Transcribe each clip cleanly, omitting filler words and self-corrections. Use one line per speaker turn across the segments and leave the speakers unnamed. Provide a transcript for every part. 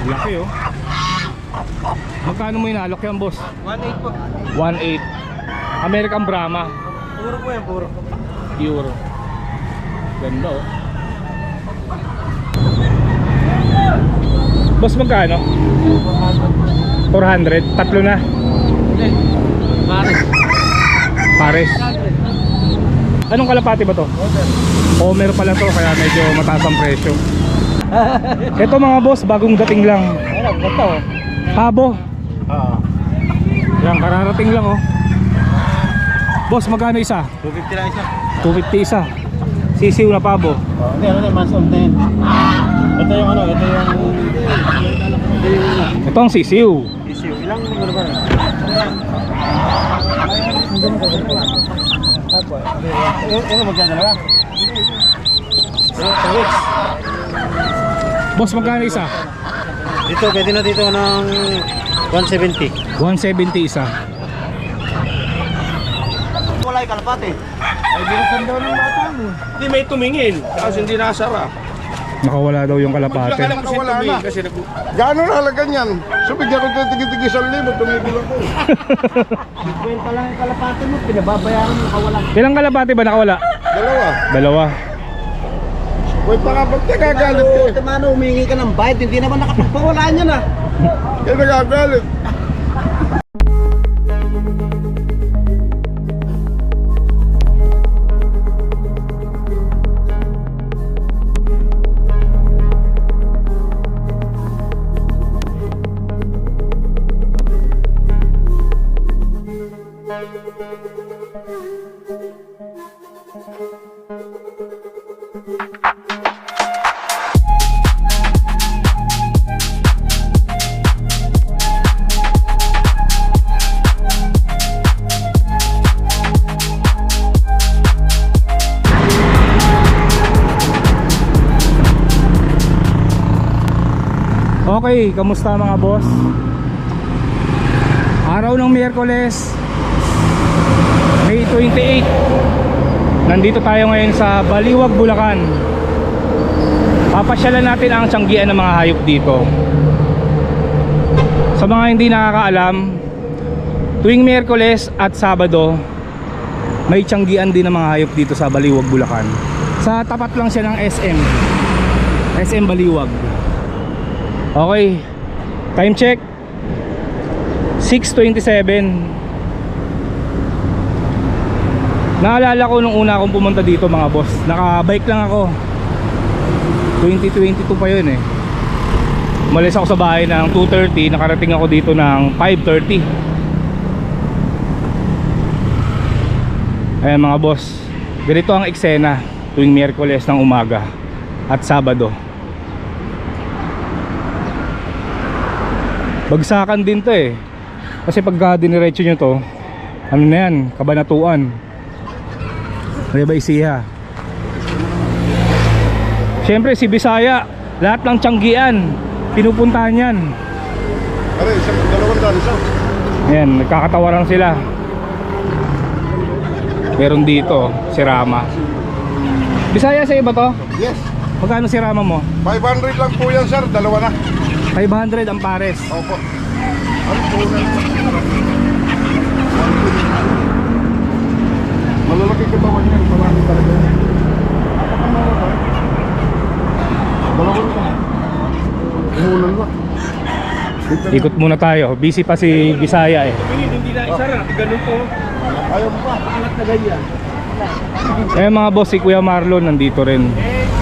Laki oh. Magkano mo inalok yan, boss?
1.8 po.
1.8. American Brahma.
Puro po yan, puro.
Pure. Ganda oh. Boss, magkano? 400. Tatlo na.
Hindi. Pares.
Pares. Anong kalapati ba to? Homer pala to, kaya medyo mataas ang presyo. Ito mga boss, bagong dating lang.
Ayun, ganda oh.
Pabo.
Oo.
Yan, kararating lang oh. Boss, magkano isa?
250 lang isa.
250 isa. Sisiw na pabo.
Hindi, ano na, months old na yan. Ito yung ano, ito yung...
Ito ang sisiw.
issue. Ilang ano ba rin? Apo. Ito magdadalawa. 2 weeks.
Boss, magkano isa?
Dito, pwede na dito ng 170.
170 isa.
Wala yung kalapate. Ay, binasan daw ng bata mo.
Hindi may tumingin kasi hindi nasara.
Nakawala daw yung kalapate.
Bigla ka lang kasi
Nakawala
tumingin
na.
kasi
Gano'n halaga niyan? So bigyan ko ng tigi-tigi 1,000, tumigil ako.
Kwenta lang yung kalapate mo, pinababayaran mo kawala.
Ilang kalapate ba nakawala?
Dalawa.
Dalawa.
Wait pa nga, ba't nagagalit ka?
Ito mano, humingi ka ng bayad, hindi naman nakapagpawala niya na.
Kaya nagagalit.
Okay, kamusta mga boss? Araw ng Miyerkules, May 28. Nandito tayo ngayon sa Baliwag, Bulacan. Papasyalan natin ang tiyanggian ng mga hayop dito. Sa mga hindi nakakaalam, tuwing Miyerkules at Sabado, may tiyanggian din ng mga hayop dito sa Baliwag, Bulacan. Sa tapat lang siya ng SM Baliwag. Okay, time check 6:27. Naalala ko nung una akong pumunta dito mga boss, naka-bike lang ako. 2022 pa yun eh. Umalis ako sa bahay ng 2:30, nakarating ako dito ng 5:30. Ayan mga boss, ganito ang eksena tuwing Miyerkules ng umaga at Sabado. Bagsakan din to eh. Kasi pagka diniretso nyo to, ano na yan, Kabanatuan, Nueva Ecija. Siyempre si Bisaya, lahat ng tiyanggian pinupuntahan yan.
Ano, isang dalawang daan, isang.
Ayan, nagkakatawaran sila. Meron dito, si Rama. Bisaya sa iba to?
Yes.
Magkano si Rama mo?
500 lang po yan, sir. Dalawa na.
500 ang pares.
Opo. Ano po na? Malalaki katawan yan. Marami talaga yan. Dalawa na. Umulan ba?
Ikot muna tayo. Busy pa si Bisaya eh.
Tumingin, hindi na isara. Ganun po.
Ayaw mo pa.
Alat na ganyan.
Eh mga boss, si Kuya Marlon nandito rin.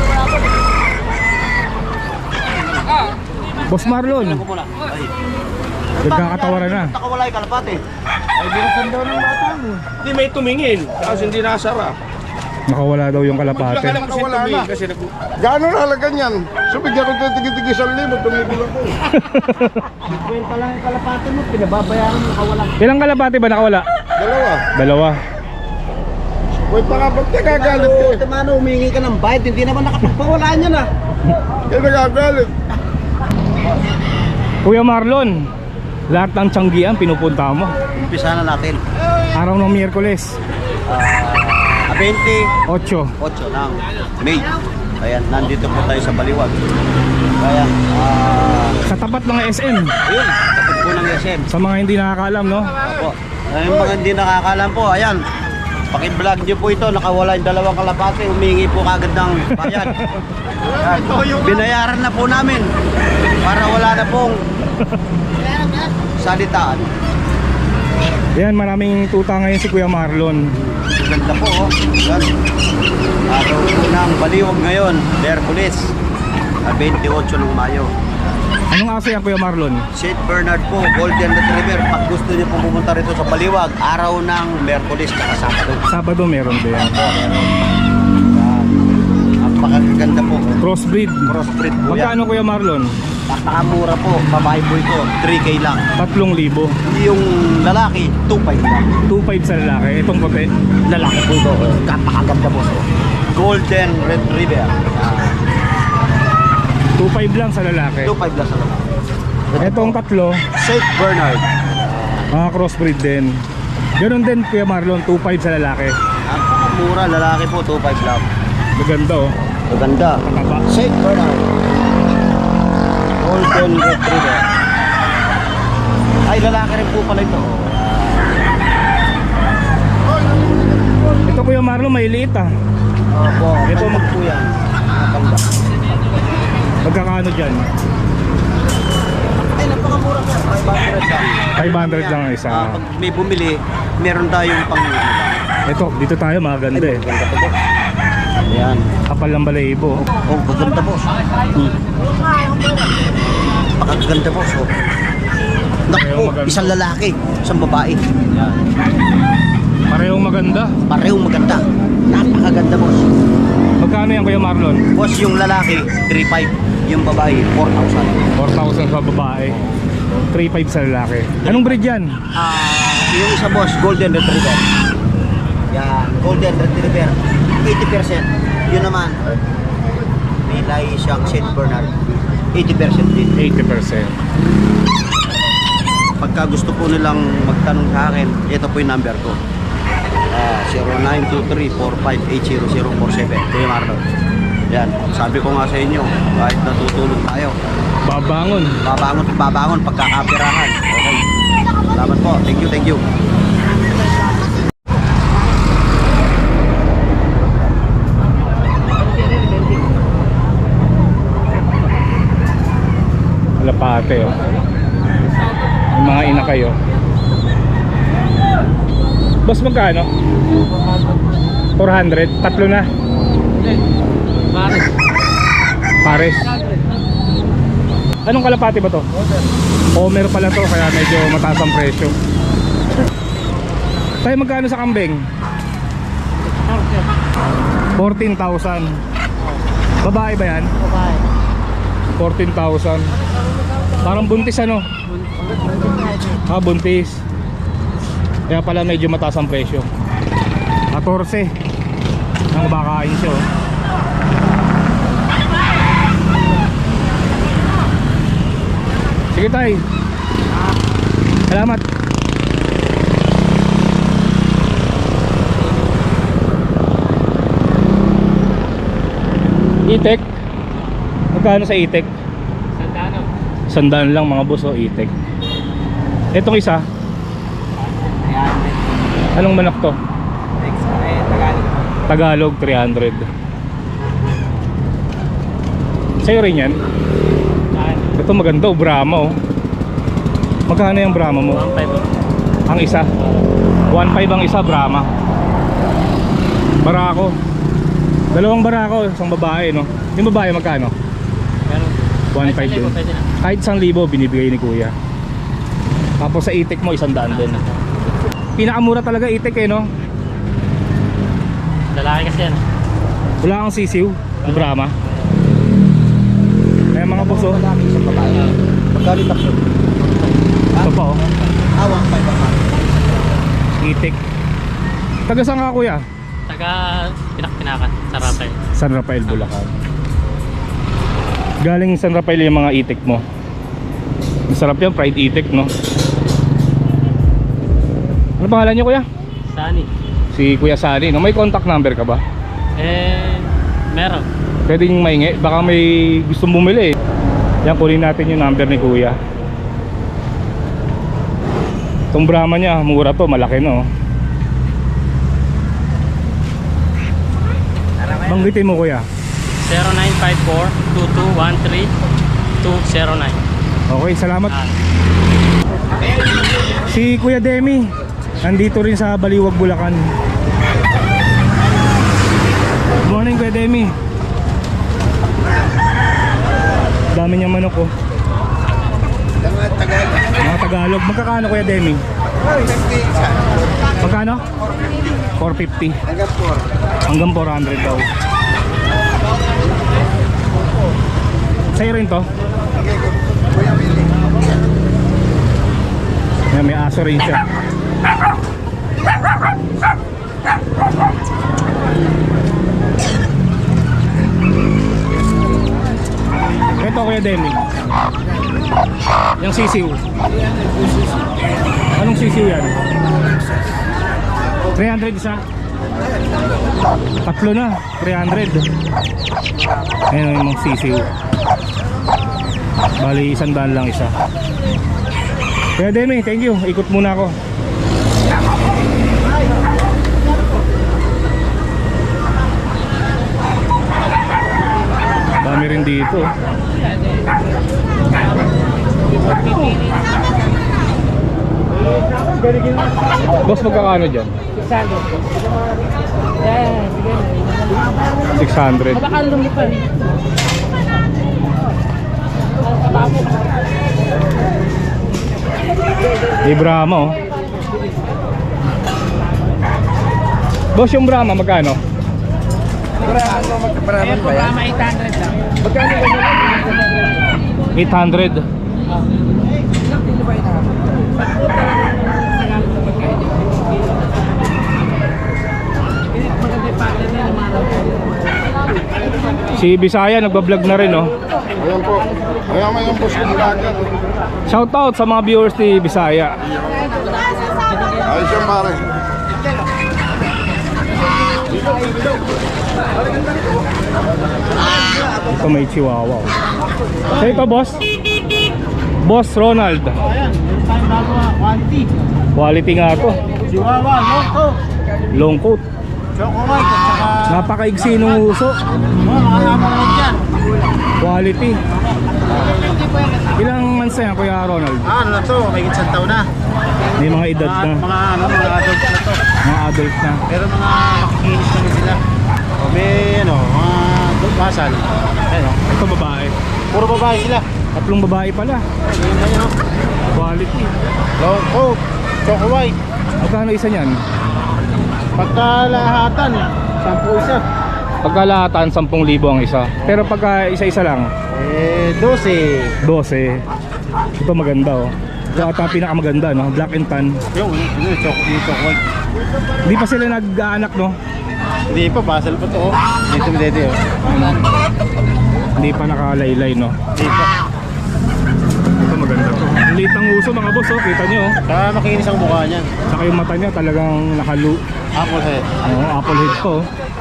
Boss Marlon,
Ako muna. Ay.
nagkakatawaran na.
Nakawala yung kalapate.
Ay, binasan daw ng bata mo. Hindi may tumingin kasi hindi nasara.
Nakawala daw yung
Bigla
kalapate.
ka lang kasi
Nakawala
tumingin
na.
kasi
Gano'n halaga niyan? So bigyan ko ng tigi-tigi 1,000, tumigil ako.
Kwenta lang yung kalapate mo, pinababayaran mo kawala.
Ilang kalapate ba nakawala?
Dalawa.
Dalawa.
Wait pa nga, ba't nagagalit ka?
Ito mano, humingi ka ng bayad, hindi naman nakapagpawala niya na.
Kaya nagagalit.
Kuya Marlon, lahat ng tiyanggian pinupunta mo.
Umpisa na natin.
Araw ng Miyerkules,
28
8.
ng May. Ayan, nandito po tayo sa Baliwag. Ayan,
Sa tapat ng SM.
Ayun, tapos po ng SM.
Sa mga hindi nakakaalam, no?
Opo. Yung mga hindi nakakalam po, ayan. Paki-vlog niyo po ito, nakawala yung dalawang kalapate, humingi po kagad ng bayad. Yan. Binayaran na po namin para wala na pong salitaan.
Yan, maraming tuta ngayon si Kuya Marlon.
Ganda po, oh. Yan. Araw po ng Baliwag ngayon, Merkulis, 28 ng Mayo.
Anong aso yan, Kuya Marlon?
St. Bernard po, Golden Retriever. Pag gusto niyo po pumunta rito sa Baliwag, araw ng Merkulis at Sabado.
Sabado meron din.
Napakaganda po.
Crossbreed.
Crossbreed po yan.
Magkano, Kuya Marlon?
Napakamura po, babae po ito, 3K lang.
3,000.
Yung lalaki, 2.5 lang.
2,500 sa lalaki. Itong puti.
Lalaki po ito, napakaganda po. Golden Retriever.
2,500 lang sa lalaki.
2.5 lang sa lalaki.
Itong tatlo,
St. Bernard.
mga crossbreed din. Ganun din, Kuya Marlon, 2,500 sa lalaki.
Napakamura, lalaki po, 2.5 lang.
Maganda, oh.
Maganda.
Mataba.
St. Bernard. Golden Retriever. Ay, lalaki rin po pala ito.
Ito, Kuya Marlon, may liit, ah.
Opo,
Ito,
ito po yan. Napanda.
Magkakano dyan?
Ay, napakamura po. 500 lang.
500 lang ang isa.
Pag may bumili, meron tayong pang...
Ito, dito tayo, maganda eh.
Maganda po. Ayan.
Kapal ng balahibo.
Oh, maganda po. Pakaganda po. So, naku,
maganda.
isang lalaki, isang babae. Ayan.
Parehong maganda.
Parehong maganda. Napakaganda, boss.
Magkano yan, Kuya Marlon?
Boss, yung lalaki, 3.5. Yung babae, 4,000.
4,000 sa babae, 3,500 sa lalaki. Anong breed yan?
Yung isa, boss, Golden Retriever. Yan, Golden Retriever. 80%. Yun naman, may lahi siyang St. Bernard. 80% din.
80%.
Pagka gusto po nilang magtanong sa akin, ito po yung number ko. 0923-458-0047. Kuya Marlon. Yan, sabi ko nga sa inyo, kahit natutulog tayo,
Babangon.
babangon pagkakapirahan. Okay. Salamat po. Thank you, thank you.
Kalapate, oh. Yung mga ina kayo. Boss, magkano? 400? Tatlo na? Pares. Anong kalapate ba to? Homer pala to, kaya medyo mataas ang presyo. Tayo, magkano sa kambing? 14,000. Babae ba yan? 14,000. Parang buntis, ano? Buntis. Kaya pala medyo mataas ang presyo. 14 ang bakain siya, oh. Sige tay. Salamat. Itek. Magkano sa itek? 100 lang mga boss, oh, itek. Etong isa, anong manok to? Tagalog, 300. Sa'yo rin yan? Ito maganda, oh, Brahma, oh. Magkano yung Brahma mo? 1.5 ang isa. 1.5 ang isa, Brahma. Barako. Dalawang barako, isang babae, no? Yung babae magkano? 1.5 din. Kahit 1,000 binibigay ni Kuya. Tapos sa itik mo 100 din. Pinakamura talaga itik, eh, no?
Lalaki kasi yan.
Wala kang sisiw, yung Brahma. Kaya mga boss, oh.
Lalaki sa babae. Magkano takso?
Ito pa, oh.
1.5 ang
Itik. Taga saan ka, Kuya?
Taga Pinakpinakan, sa Rapay.
San Rafael, Bulacan. Galing San Rafael yung mga itik mo. Masarap yan, fried itik, no? Ano pangalan niyo, Kuya?
Sani.
Si Kuya Sani, no? May contact number ka ba?
Meron.
Pwede nyo maingi, baka may gustong bumili, eh. Yan, kunin natin yung number ni kuya. Itong Brahma niya, mura to, malaki no. Banggitin mo kuya.
0954-2213-209.
Okay, salamat. Si Kuya Demi nandito rin sa Baliwag, Bulacan. Good morning Kuya Demi. Dami niyang manok oh. Mga Tagalog. Magkakano Kuya Demi? Magkano? 450. Hanggang 400 daw. Sa'yo rin to? Yan, may aso rin siya. Ito Kuya Demi. Yung sisiw. Anong sisiw yan? 300 isa? Tatlo na, 300. Ayan yung mga sisiw. Bali, 100 lang isa. Kaya Demi, thank you. Ikot muna ako. Dami rin dito. Boss, magkakano dyan? 600. Di Brahma oh. Boss, yung Brahma magkano?
Brahma 800 lang.
800. Si Bisaya nagbablog na rin oh.
Ayan po. Ayan may yung boss kong vlogger.
Shout out sa mga viewers ni Bisaya.
Ayos yung pare.
Ito may chihuahua oh. So ito boss? Boss Ronald.
Ayan, meron tayong bago quality.
Quality nga to.
Chihuahua, Longco,
Long coat.
Choco White, at saka
Napakaigsi ng uso.
mga amo lang dyan.
Quality. Ilang months na yan Kuya Ronald?
Ano na to, may isang taon na.
May mga edad na.
Mga adults na to.
Mga adult na.
Pero mga makikinis na rin sila. O may mga basal. Ayun,
Ito babae.
puro babae sila.
Tatlong babae pala.
Ayun na yun,
Quality.
Longco, Choco White.
Magkano isa niyan?
Pagkalahatan, 10 isa.
Pagkalahatan 10,000 ang isa. Pero pagka isa-isa lang
12.
12. Ito maganda oh. Ito ata ang pinakamaganda no, black and tan.
Yung Choco White.
Hindi pa sila nag-aanak no.
Hindi pa, basal pa to. Oh. Dito dito.
Ano? Hindi pa nakalaylay no.
Hindi pa.
Ito maganda to. Ang liit ng uso mga boss oh, kita nyo oh.
Saka makikinis ang mukha niyan.
Saka yung mata niya talagang nakalu.
Apple head.
Apple head to.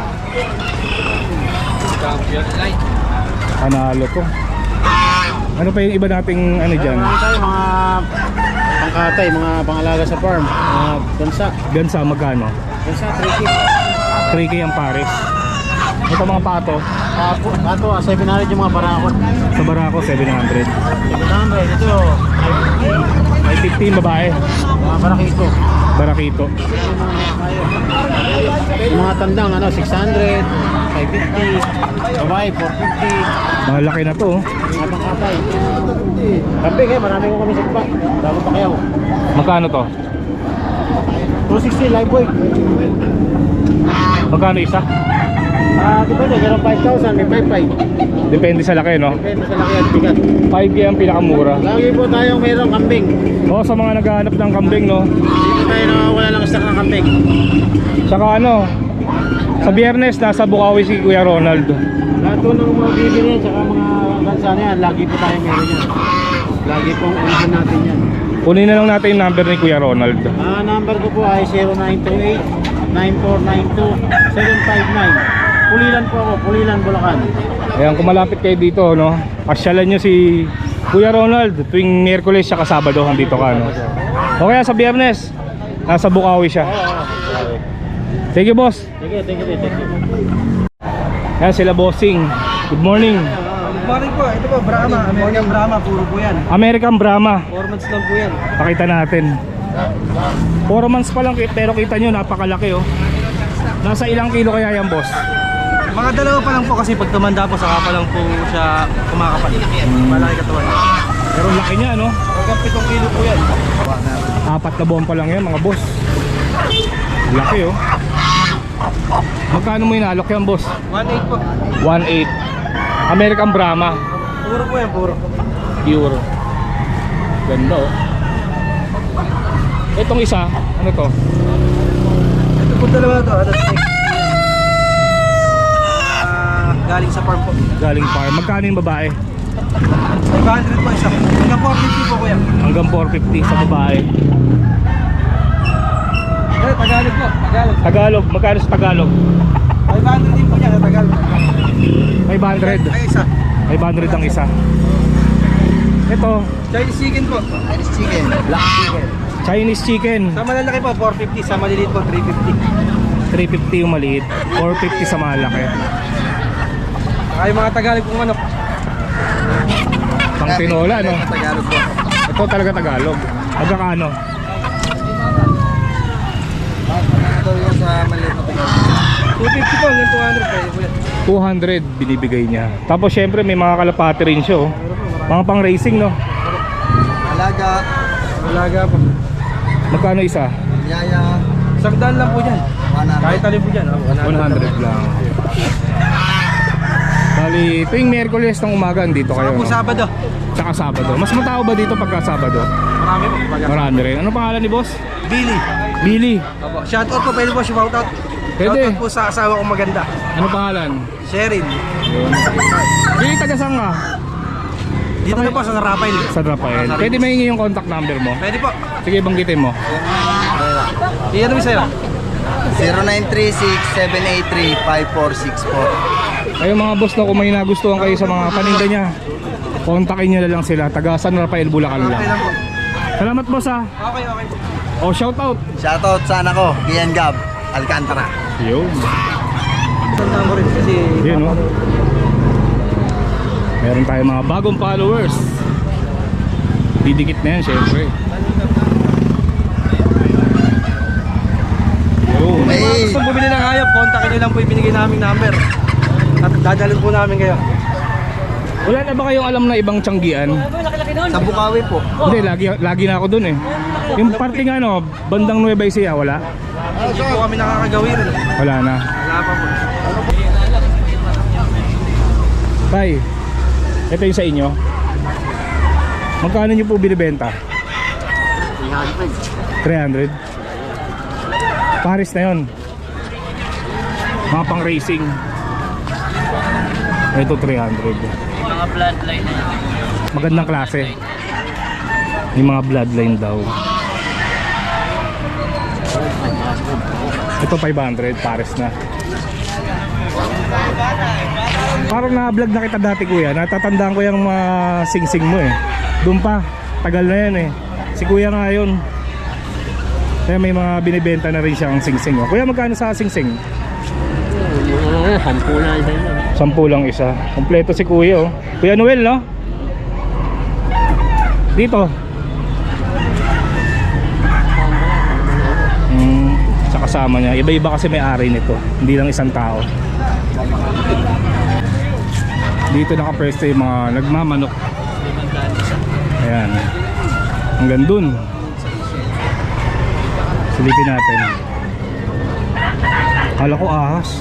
Panalo to. Ano pa yung iba nating ano dyan?
Meron tayo mga pangkatay, mga pangalaga sa farm. Mga gansa.
Gansa magkano?
Gansa, 3K.
3K ang pares. Ito mga pato.
Pato, 700 yung mga barakon.
Sa Barako 700.
700, ito,
515 babae.
mga barakito.
Barakito.
Yung mga tandang, 600, 550, babae, 450.
Malaki na to oh.
Mga pangkatay. Kambing marami ko kami sa iba. Bago pa kayo.
Magkano to?
260 live weight.
Magkano isa?
Depende, meron 5,000, may 5,500.
Depende sa laki no.
Depende sa laki at bigat.
5K ang pinakamura.
Lagi po tayong mayroong kambing.
O sa mga naghahanap ng kambing no.
Dito tayo nawawala ng stock ng kambing.
Saka ano, sa Biyernes nasa Bukawi si Kuya Ronald.
Lahat po ng mga bibili yan, saka mga gansa na yan, lagi po tayong meron yan. Lagi pong unahan natin yan.
Kunin na lang natin yung number ni Kuya Ronald.
Number ko po ay 0928-9492-759. Pulilan po ako, Pulilan, Bulacan.
Ayan, kung malapit kayo dito, no, pasyalan nyo si Kuya Ronald tuwing Miyerkules siya Sabado dito ka, no. O kaya sa Biyernes, nasa Bukawi siya. Thank you, boss.
Thank you.
Ayan sila bossing. Good morning.
Good morning po. Ito po, Brahma. American Brahma. Puro po yan.
American Brahma.
4 months lang po yan.
Pakita natin. 4 months pa lang pero kita nyo napakalaki, oh. Nasa ilang kilo kaya yan, boss?
Mga dalawa pa lang po kasi pag tumanda po, saka pa lang po siya kumakapal. Malaki katawan.
Pero laki niya, no?
Hanggang 7 kilo po yan.
4 na buwan pa lang yan, mga boss. Laki, oh. Magkano mo inalok yan, boss?
1.8 po.
1.8. American Brahma.
Puro po yan, puro.
Pure. Ganda, oh. Itong isa, ano to?
Ito po dalawa na to. Ano, snake. Galing sa farm po.
Galing farm. Magkano yung babae?
500 po isa. Hanggang 450 po kuya.
Hanggang 450 sa babae.
Tagalog po. Tagalog.
Tagalog, magkano sa Tagalog?
500 din po niya sa Tagalog.
500.
Ay, isa.
500 ang isa. Ito,
Chinese chicken po. Chinese chicken. Black chicken.
Chinese chicken.
Sa malalaki po, 450. Sa maliliit po, 350.
350 yung maliit, 450 sa malaki.
Ay, mga Tagalog pong manok.
Pang tinola, no?
Tagalog po.
Ito talaga Tagalog. Magkano?
Ito yung sa maliit na Tagalog. 250 po, hanggang 200 pwede po yan.
200 binibigay niya. Tapos syempre may mga kalapati rin siya, oh. Mga pang racing, no?
Alaga. Alaga po.
Magkano isa?
Yaya. Sagdaan lang po dyan. Kahit alin po dyan.
100 lang. Bali, tuwing Miyerkules ng umaga dito kayo,
Saka po
no?
Sabado.
Tsaka Sabado. Mas matao ba dito pagka Sabado?
Marami po.
Marami rin. Ano pangalan ni boss?
Billy.
Billy.
Opo. Shoutout po. Pwede po shoutout.
Pwede.
Shoutout po sa asawa kong maganda.
Ano pangalan?
Sheryl.
Billy, taga saan ka?
Dito na po sa Rafael.
Sa Rafael. Pwede mahingi yung contact number mo?
Pwede po.
Sige, banggitin mo.
Iyan namin sa'yo.
0936-783-5464.
Kayo mga boss, no, kung may nagustuhan kayo sa mga paninda niya, kontakin nyo na lang sila. Taga San Rafael, Bulacan lang.
Okay lang po.
Salamat boss, ha.
Okay.
O, shout out.
Shoutout sa anak ko, Kian Gab, Alcantara.
Yun.
Tandaan ko rin kasi...
Yun, no. Meron tayong mga bagong followers. Didikit na yan, syempre. Yun.
Kung mga gusto bumili ng hayop, kontakin nyo lang po yung binigay naming number. At dadalhin po namin kayo.
Wala na ba kayong alam na ibang tiyanggian?
Sa Bukawi po.
Hindi, lagi na ako dun eh. Yung party nga, no, bandang Nueva Ecija, wala?
Hindi po kami nakakagawi rin.
Wala na.
Wala pa po.
Tay, ito yung sa inyo. Magkano nyo po binibenta? 300. Paris na yun. Mga pang racing. Ito 300.
Mga bloodline na yan.
Magandang klase. Yung mga bloodline daw. Ito 500, Paris na. Parang na-vlog na kita dati, kuya. Natatandaan ko yung mga sing-sing mo eh. Doon pa, tagal na yan eh. Si kuya nga yun. Kaya may mga binibenta na rin siyang sing-sing, oh. Kuya, magkano sa sing-sing?
10 na isa yun.
10 lang isa. Kompleto si kuya, oh. Kuya Noel, no? Dito. Sa kasama niya. Iba-iba kasi may ari nito. Hindi lang isang tao. Dito nakapwesto yung mga nagmamanok. Ayan. Hanggang dun. Silipin natin. Kala ko ahas.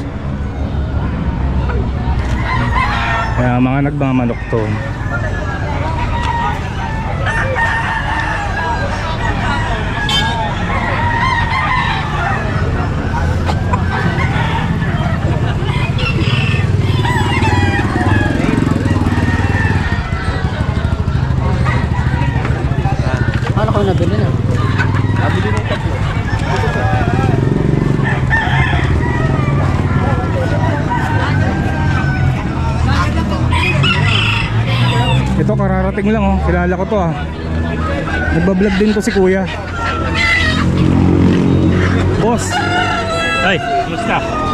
Kaya mga nagmamanok to.
Paano ko nabili na?
Nabili ng tatlo.
Ito kararating lang oh. Kilala ko to ah. Nagbablog din to si kuya. Boss.
Ay, kumusta?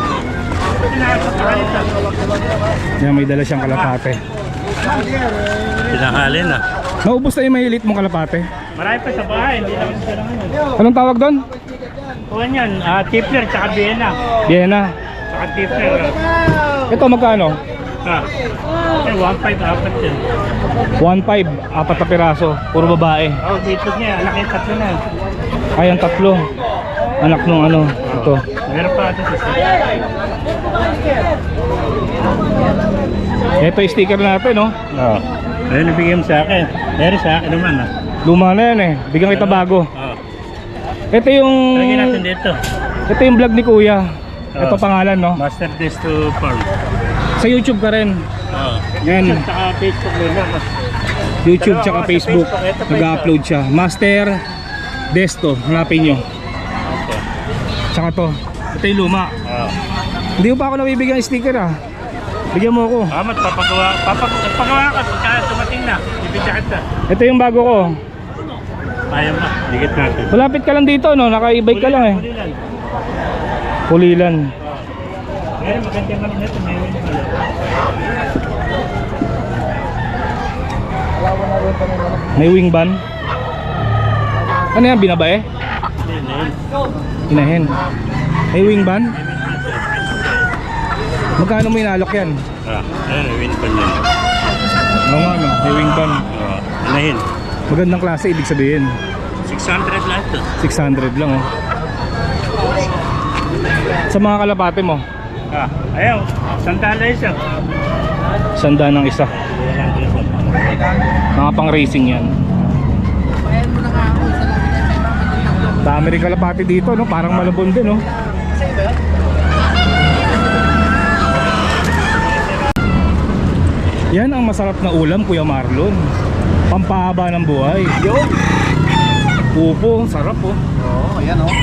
Yan, may dala siyang kalapate.
Pinakalin na.
Naubos na yung mahilit mong kalapate.
Marami pa sa bahay, hindi lang sila ngayon.
Anong tawag doon?
Kuhan yan, Tipler tsaka Vienna.
Vienna.
Tsaka Tipler.
Ito magkano?
1.5 apat yan.
1.5, apat na piraso. Puro babae.
Oh, dito niya, anak yung tatlo na.
Ay, ang tatlo. Anak nung ano. Ito.
Meron pa ito sa
Ito yung sticker natin, no?
Oo. Ayun, nabigyan mo sa akin. Meron sa akin naman ah.
Luma na yan eh. Bigyan kita bago.
Oo.
Ito yung...
Lagyan natin dito.
Ito yung vlog ni kuya. Ito pangalan, no?
Master Desto Farm.
Sa YouTube ka rin.
Oo.
Yan.
Tsaka Facebook din lang.
YouTube tsaka Facebook. Nag-upload siya. Master Desto. Hanapin nyo. Tsaka to. Ito yung luma.
Oo.
Hindi mo pa ako nabibigyan ng sticker ah. Bigyan mo ako.
Amat, papagawa ka pagka tumating na. Ibigyan kita.
Ito yung bago ko.
Ayaw mo, dikit natin.
Malapit ka lang dito, no? Naka-e-bike ka lang eh.
Pulilan.
Pulilan.
Meron magandang kami na ito. Meron pala.
May wing ban. Ano yan? Binabae? Inahin. May wing ban? Magkano mo inalok yan?
Ayun, win pa niyan.
Oo nga no, may wing ban.
Anahin.
Magandang klase, ibig sabihin
600 lahat to.
600 lang oh. Sa mga kalapate mo,
Ayaw, sandala isa.
sanda ng isa. Mga pang racing yan. Dami rin kalapate dito, no? Parang malabon din, no? Yan ang masarap na ulam, Kuya Marlon. Pampahaba ng buhay.
Yo!
Pupo, sarap oh.
Oo, ayan o.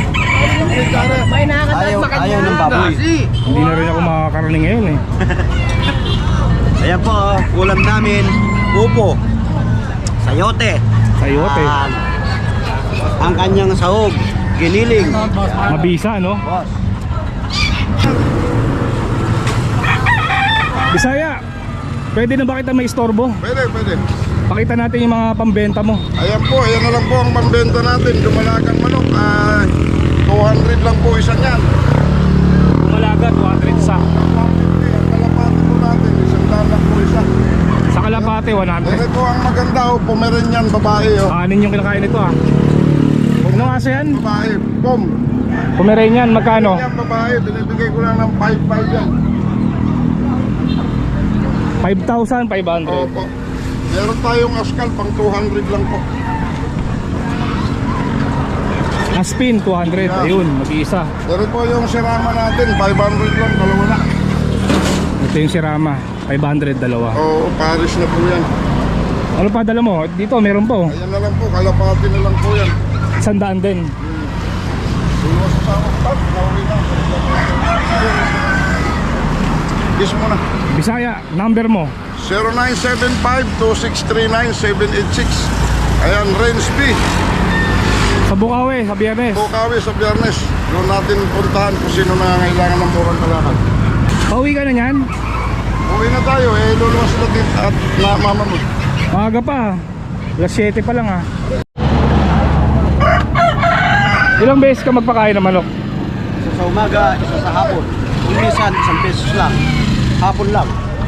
Ayaw ng baboy.
Hindi na rin ako makakaraning ngayon eh.
Ayan po, ulam namin, pupo, sayote.
Sayote.
Ang kanyang sahog, giniling.
Mabisa, no?
Boss.
Bisaya, pwede na ba kita may istorbo?
Pwede, pwede.
Pakita natin yung mga pambenta mo.
Ayan po, ayan na lang po ang pambenta natin. Dumalagang manok, 200 lang po isa niyan.
Malaga, 200 sa.
Kalapati po natin, isang lang po isa.
Sa kalapate,
Ito
100.
po ang maganda o, Pomeranian babae o.
Kanin yung kinakain nito ah. Huwag na kasi yan.
Babae, pom.
Pomeranian, magkano?
Yan babae, binibigay ko lang ng 5-5 yan.
5,500.
Opo. Meron tayong askal, pang 200 lang po.
Aspin, 200. Ayun, mag-iisa.
Meron po yung sirama natin, 500 lang, dalawa na.
Ito yung sirama, 500, dalawa.
Oo, Paris na po yan.
Ano pa dala mo? Dito, meron po.
Ayan na lang po, kalapati na lang po yan.
100 din.
Iwas sa oktat, nauwi na. Kiss mo na.
Bisaya, number mo.
0975-2639-786. Ayan, Range B.
Sa Bukawi, sa Biyernes.
Bukawi sa Biyernes. Doon natin puntahan kung sino nangangailangan ng murang kalakad.
Pauwi ka na yan?
Uwi na tayo, luluwas natin at mamamod.
Maaga pa. Alas 7 pa lang ah. Ilang beses ka magpakain ng manok?
Isa sa umaga, isa sa hapon. Kung minsan, 1 pesos lang. Hapon lang.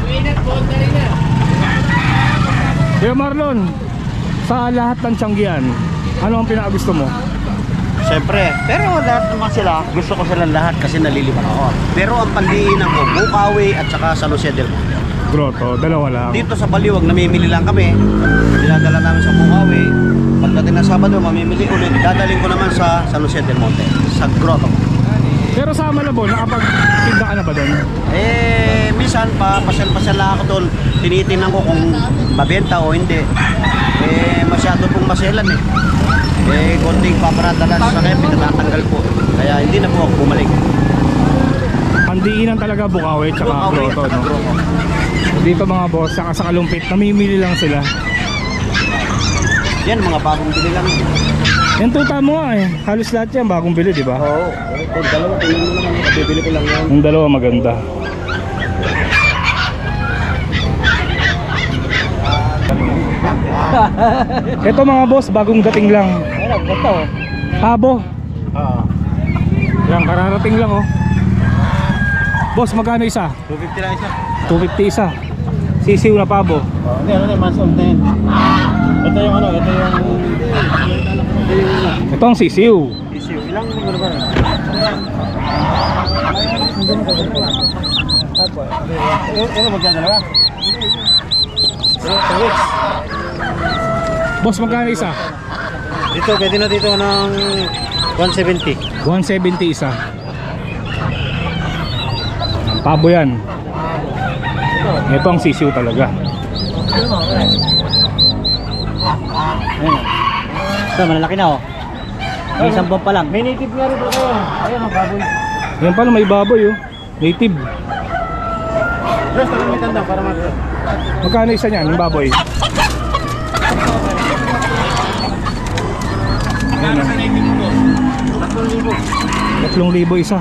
Kuya Marlon, sa lahat ng tiyanggian, ano ang pinakagusto mo?
Siyempre, pero lahat naman sila, gusto ko silang lahat kasi naliliman ako. Pero ang pandiinan ko, Bukawi at saka San Jose del Monte.
Grotto, dalawa lang.
Dito sa Baliwag, namimili lang kami. Dinadala namin sa Bukawi. Pagdating ng Sabado, mamimili ulit. Dadaling ko naman sa San Jose del Monte, sa Grotto.
Pero sa Malabon, nakapagtinda ka na ba doon?
Minsan pa, pasyal-pasyal lang ako doon. Tinitingnan ko kung mabenta o hindi. Masyado pong masyalan eh. Konting paparadalan sa kaya, pinatatanggal po. Kaya hindi na po ako bumalik.
Pandiinan talaga Bukawi tsaka
Bukawi
Grotto,
at
no?
Grotto.
Dito mga boss, saka sa Kalumpit, namimili lang sila.
Yan, mga bagong bili lang.
Yung tuta mo nga eh. Halos lahat yan bagong bili, di ba?
Oo. Ito, dalawa. Tingnan mo naman. Bibili ko lang yan.
Yung dalawa maganda. Ito mga boss, bagong dating lang.
Ayun, ganito.
Pabo.
Oo.
Yan, kararating lang oh. Boss, magkano isa?
250 lang isa.
250 isa. Sisiw na pabo.
Hindi, ano mas old na yan. Ito yung ano, ito yung...
Ito ang sisiw.
issue. Ilang ano ba? Ano magdadalawa? 2 weeks.
Boss, magkano isa?
Dito, pwede na dito ng 170.
170 isa. Pabo yan. Ito ang sisiw talaga.
Ito, malalaki na oh. May isang buwan pa lang.
May native nga rin po kayo. Ayun ang baboy.
Yan pala, may baboy oh. Native.
Just, ako may tanda para mag...
Magkano isa niyan, yung baboy?
Kano sa native mo?
3,000 isa.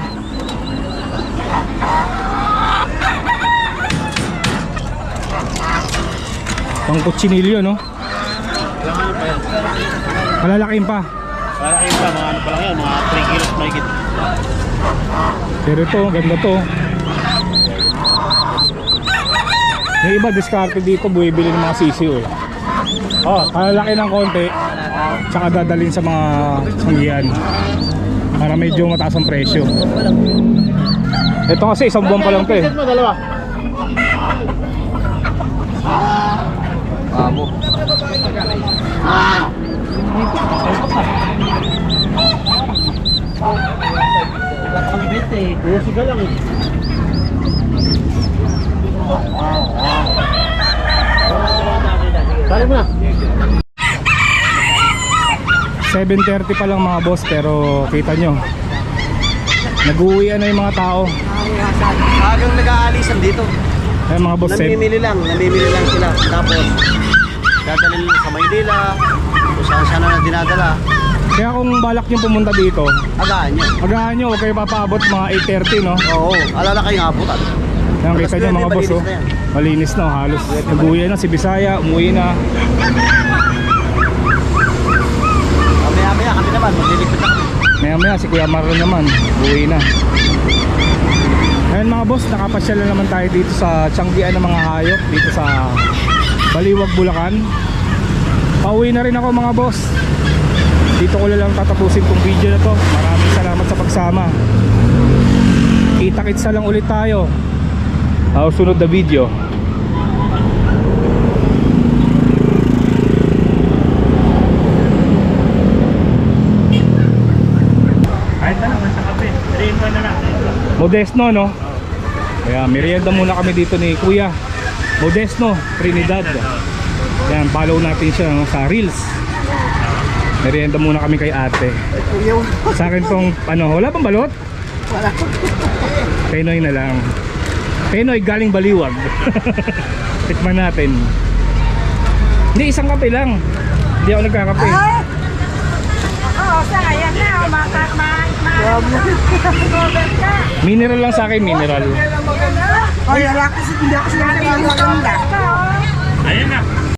Pang kutsinilyo no?
Ilang ano pa yan?
Malalaking pa.
Para kayo pa, mga ano pa lang yan, mga 3 kilos mahigit.
Pero ito, ganda to. Yung iba diskarte dito, buibili ng mga sisiw eh. Oh, kalalaki ng konti, tsaka dadalhin sa mga sanggihan para medyo mataas ang presyo. Ito kasi isang buwan pa lang to eh.
Mo, dalawa. Babo.
Ang bet eh.
Siga lang eh. Sali mo na.
7:30 pa lang mga boss, pero kita nyo, nag-uwian na yung mga tao.
Agang nag-aalisan dito.
Ay mga boss,
Namimili lang sila. Tapos, dadalhin sa Maynila, kung saan saan na dinadala.
kaya kung balak nyo pumunta dito,
Agaan nyo.
agahan nyo, huwag kayo papaabot mga 8:30 no?
Oo, alala kayong abutan.
Yan, kita nyo mga boss, oh. Malinis na, halos nag-uwi na si Bisaya, umuwi na.
Mamaya kami naman, maglilipit na kami.
Maya maya si Kuya Marlon naman, uwi na. Ngayon mga boss, nakapasyal na naman tayo dito sa tiyanggian ng mga hayop dito sa Baliwag, Bulacan. Pauwi na rin ako mga boss. Dito ko lang tatapusin tong video na to. Maraming salamat sa pagsama. Kita-kits na lang ulit tayo sa sunod na video. Modesno no? Kaya merienda muna kami dito ni Kuya Modesno Trinidad. Yan, follow natin siya no, sa Reels. Merienda muna kami kay ate. Sa akin tong ano, wala pang balot? Wala. Penoy na lang. Penoy galing Baliwag. Tikman natin. Hindi, isang kape lang. Hindi ako nagkakape.
Oo, sayang na.
Mineral lang sa akin, mineral.
Ay, wala kasi hindi ako sila maganda.
Ayan na.